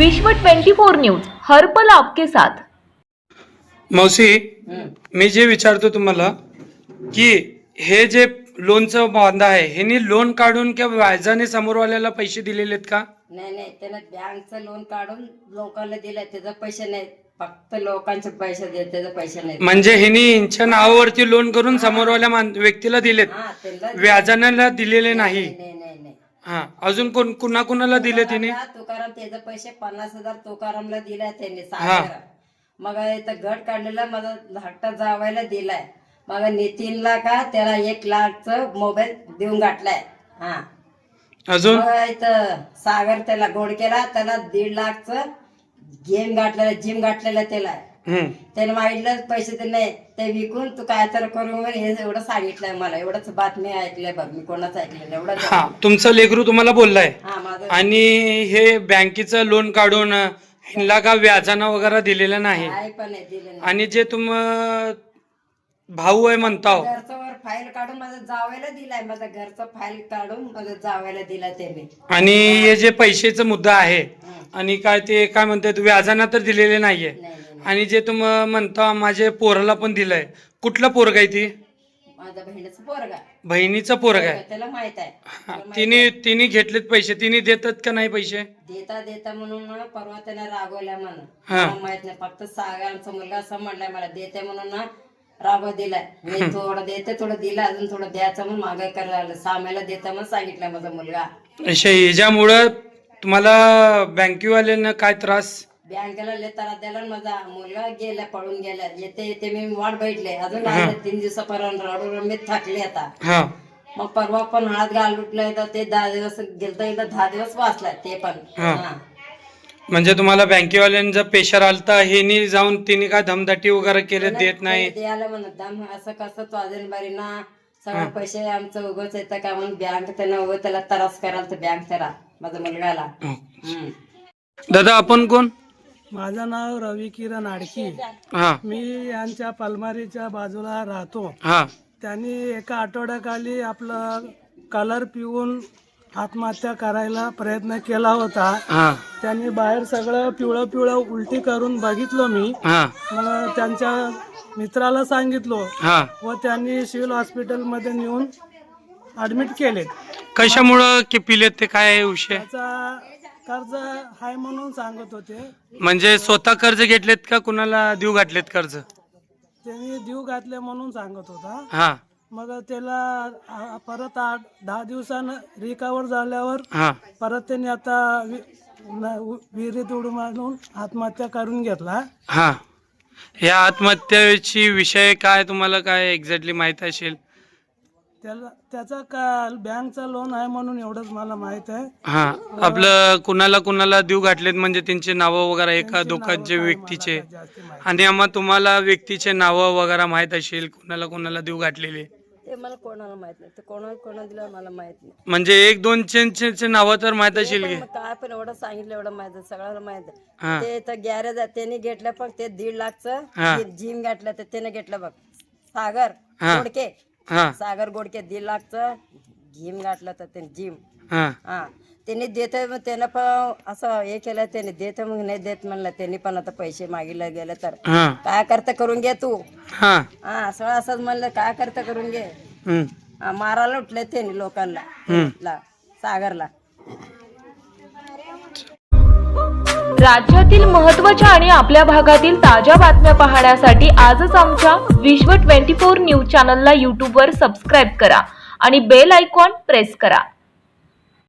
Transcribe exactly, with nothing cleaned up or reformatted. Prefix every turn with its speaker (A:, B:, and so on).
A: विश्व चोवीस न्यूज हर पल आपके साथ।
B: मौसी, मी जे विचारतो तुम्हाला की हे जे लोनचं बांधा आहे ह्यांनी लोन काढून किंवा व्याजाने समोरवाल्याला पैसे दिलेले आहेत का?
C: नाही नाही, त्यानं बँकचं लोन काढून लोकांना दिलं, त्याचे पैसे नाही, फक्त लोकांचे पैसे देत, त्याचे पैसे नाही।
B: म्हणजे ह्यांनी यांच्या नावावरती लोन करून समोरवाल्या मान- व्यक्तीला दिलेत,
C: हा, त्यांना
B: व्याजाने दिलेले नाही।
C: नाही नाही नाही।
B: हा, अजून कोण कुणा कुणाला दिले तिने?
C: तुकाराम त्याचे पैसे पन्नास हजार तुकारामला दिलाय त्यांनी सागर, मग इथं गट काढलेला माझा धाकटा जावायला दिलाय, मग नितीनला का त्याला एक लाखचं मोबाईल देऊन गाठलाय। हा,
B: अजून
C: मग इथं सागर त्याला गोड केला, त्याला दीड लाखचं गेम गाठलेला, जिम गाठलेला त्याला,
B: हम्म
C: त्याने मागितलं पैसे ते नाही, ते विकून तू काय तर करून हे एवढं सांगितलंय मला, एवढंच बातमी ऐकलंय बघ, मी कोणाच ऐकलं एवढं।
B: हा, तुमचा लेकरू तुम्हाला बोललाय
C: हा माझं,
B: आणि हे बँकेचं लोन काढून ह्यांना का व्याजानं वगैरे दिलेलं नाही
C: काय पण नाही दिलं नाही।
B: आणि जे तुम भाऊ आहे म्हणताव
C: घरचं वर फाईल काढून माझं जावायला दिलाय, माझं घरचं फाईल काढून माझं जावायला दिलाय त्यांनी।
B: आणि हे जे पैशाचा मुद्दा आहे आणि काय ते काय म्हणतात व्याजानं तर दिलेले नाहीये,
C: नाही नाही नाही,
B: आणि जे तुम म्हणता माझे पोराला पण दिलंय, कुठलं पोरग आहे ती?
C: माझ्या बहिणीचं पोरगा,
B: बहिणीचं पोरग आहे।
C: त्याला माहित आहे,
B: हा, तिने तिने घेतलेत पैसे, तिने देतात का नाही पैसे?
C: देता देता म्हणून ना परवा त्याने रागवल्या म्हणून,
B: हा.
C: मला माहित नाही, फक्त सागरचा मुलगा असं म्हणलाय मला देते म्हणून ना रागव दिलाय, मी थोडं देते थोडं दिलं, अजून थोडं द्यायचं म्हणून मागे करायला सामेला देता म्हणून सांगितलं माझा मुलगा।
B: अशा ह्याच्यामुळं तुम्हाला बँकेवाल्यांना काय त्रास?
C: बँकेला लय त्रास द्यायला, माझा मुलगा गेला, पळून गेला, येते येते मी वाट बैठले, अजून आले तीन दिवसापर्यंत रडून मी थकले आता।
B: हा,
C: मग परवा पण हळद घाल उठलं तर ते दहा दिवस गेलता, एकदा दहा दिवस वाचलाय ते पण।
B: हा.
C: हा.
B: म्हणजे तुम्हाला बँकेवाल्यांचा पेशर आलता, हेनी जाऊन तिने काय धमदाटी वगैरे केले, देत नाही?
C: द्यायला म्हणत दम असं कसं तो अजून बारी ना सगळे पैसे आमचं उगच येतं का म्हणून बँक त्यानं उगं त्याला त्रास करायला तर बँक त्याला माझ्या मुलगाला। हम्म.
B: दादा, आपण कोण?
D: माझं नाव रवी किरण आडकी,
B: हा
D: मी यांच्या पलमारीच्या बाजूला राहतो।
B: हा
D: त्यांनी एका आठवड्याखाली आपलं कलर पिऊन आत्महत्या करायला प्रयत्न केला होता।
B: हा
D: त्यांनी बाहेर सगळं पिवळं पिवळं उलटी करून बघितलं मी,
B: हा
D: मग त्यांच्या मित्राला सांगितलं
B: हा
D: व त्यांनी सिव्हिल हॉस्पिटलमध्ये नेऊन ॲडमिट केले।
B: कशामुळं की पिलेत ते काय विषय?
D: त्याचा कर्ज आहे म्हणून सांगत होते,
B: म्हणजे स्वतः कर्ज घेतलेत का कुणाला देऊ घातलेत कर्ज?
D: त्यांनी देऊ घातले म्हणून सांगत होता।
B: हा
D: मग त्याला आ- परत आठ दहा दिवसानं रिकवर झाल्यावर
B: हा
D: परत त्यांनी आता वि- न- उ- विहिरीत उडी मारून आत्महत्या करून घेतला।
B: हा या आत्महत्येची विषय काय तुम्हाला काय एक्झॅक्टली माहित असेल?
D: त्याला त्याचा का बँकचा लोन आहे म्हणून एवढंच मला माहित आहे।
B: हा, आपलं कुणाला कुणाला देऊ घातलेत म्हणजे त्यांचे नावं वगैरे एका दोघांचे व्यक्तीचे,
D: जास्ती माहिती
B: आणि आम्हा तुम्हाला व्यक्तीचे नावं वगैरे माहित असेल कुणाला कुणाला देऊ घातलेले?
C: ते मला कोणाला माहित नाही, ते कोणा कोणा दिलं मला माहित नाही।
B: म्हणजे एक दोन चे नावं तर माहित असेल की?
C: पण मग काय पण एवढं सांगितलं एवढं माहित आहे, सगळ्याला माहित
B: हा.
C: आहे। ते तर गॅरेज आहे त्यांनी घेतलं, पण ते दीड
B: हा.
C: लाखचं जिम घेतलं तर त्याने घेतलं बघ, सागर
B: हा.
C: गोडके,
B: हा
C: सागर गोडके दीड लाखचं जिम गाठलं तर त्याने जिम।
B: हा
C: हा, त्यांनी देते मग त्यानं पण असं हे केलं, त्याने देते मग नाही देत म्हणलं, त्यांनी पण आता पैसे मागितले गेले तर
B: हा
C: काय करता करून घे तू।
B: हा
C: हा, सगळं असंच म्हणलं, काय करता करून घे।
B: हम्म.
C: हा, मारायला उठले त्यांनी लोकांना,
B: हम्म.
C: ला- सागरला।
A: राज्यातील महत्त्वाच्या आणि आपल्या भागातील ताज्या बातम्या पाहण्यासाठी आजच आमच्या विश्व चोवीस न्यूज चॅनलला यूट्यूबवर सबस्क्राईब करा आणि बेल आयकॉन प्रेस करा।